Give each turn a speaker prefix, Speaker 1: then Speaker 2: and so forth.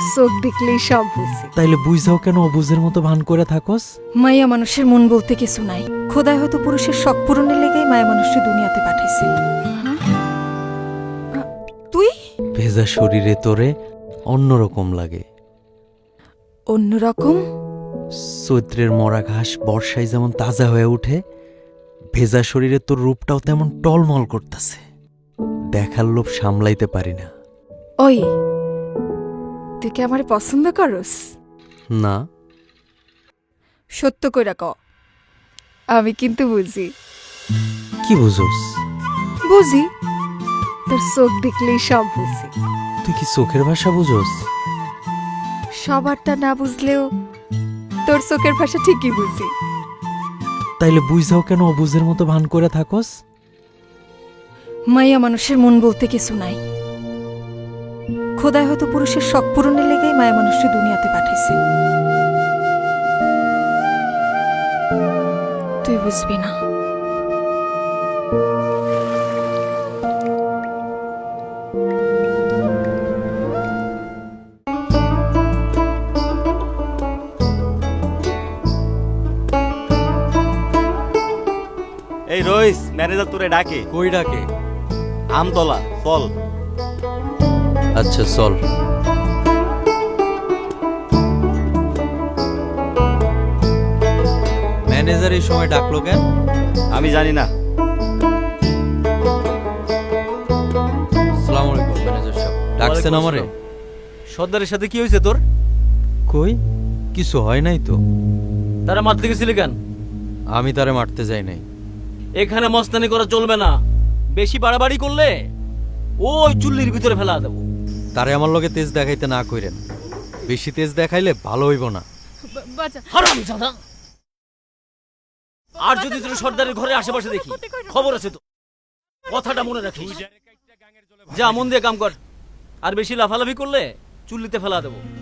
Speaker 1: চোখ দেখলেই সব বুঝি।
Speaker 2: তাইলে বুঝাও কেন অবুঝের মতো ভান করে থাকস?
Speaker 1: মাইয়া মানুষের মন বলতে কিছু নাই। খোদাই হয়তো পুরুষের শখ পূরণের লেগেই মায়া মানুষকে দুনিয়াতে পাঠাইছে। তুই
Speaker 2: ভেজা শরীরে তোরে অন্যরকম লাগে।
Speaker 1: অন্যরকম?
Speaker 2: চৈত্রের মরা ঘাস বর্ষায় যেমন তাজা হয়ে ওঠে, ভেজা শরীরে তোর রূপটাও তেমন টলমল করতেছে। দেখার লোভ সামলাইতে পারি না।
Speaker 1: ওই তুই কি আমারে পছন্দ করস?
Speaker 2: না।
Speaker 1: সত্য কইরা ক। আমি কিন্তু বুঝি।
Speaker 2: কি বুঝোস?
Speaker 1: বুঝি, তোর চোখ দেখলেই সব বুঝি।
Speaker 2: তুই কি চোখের ভাষা বুঝোস?
Speaker 1: সবারটা না বুঝলেও তোর চোখের ভাষা ঠিকই বুঝি।
Speaker 2: তাইলে বুঝাও কেন অবুঝের মতো ভান করে থাকস?
Speaker 1: মাইয়া মানুষের মন বলতে কিছু নাই। খোদাই হয়তো পুরুষের শখ পূরণের লেগেই মায়া মানুষকে দুনিয়াতে পাঠাইছে। তুই বুঝবি না।
Speaker 3: এই রইস, ম্যানেজার তোরে ডাকে।
Speaker 2: কই ডাকে?
Speaker 3: আমতলা চল।
Speaker 2: আচ্ছা চল। ম্যানেজার এই সময় ডাকলো কেন?
Speaker 3: আমি জানি না।
Speaker 2: আসসালামু আলাইকুম ম্যানেজার সাহেব। ডাকছেন আমারে?
Speaker 4: সর্দারের সাথে কি হয়েছে তোর?
Speaker 2: কই কিছু হয় নাই তো।
Speaker 4: তারা মারতে গেছিলি কেন?
Speaker 2: আমি তারে মারতে যাই নাই।
Speaker 4: এখানে মস্তানি করা চলবে না। বেশি বাড়াবাড়ি করলে ওই চুল্লির ভিতরে ফেলা দেবো।
Speaker 2: তারে আমার লগে তেজ দেখাইতে না কইরেন। বেশি তেজ দেখাইলে ভালো হইব না।
Speaker 4: হারামজাদা! আর যদি তোর সর্দারের ঘরের আশেপাশে দেখি, খবর আছে তো। কথাটা মনে রাখিস। যা মন দিয়ে কাম কর। আর বেশি লাফালাফি করলে চুল্লিতে ফেলা দেবো।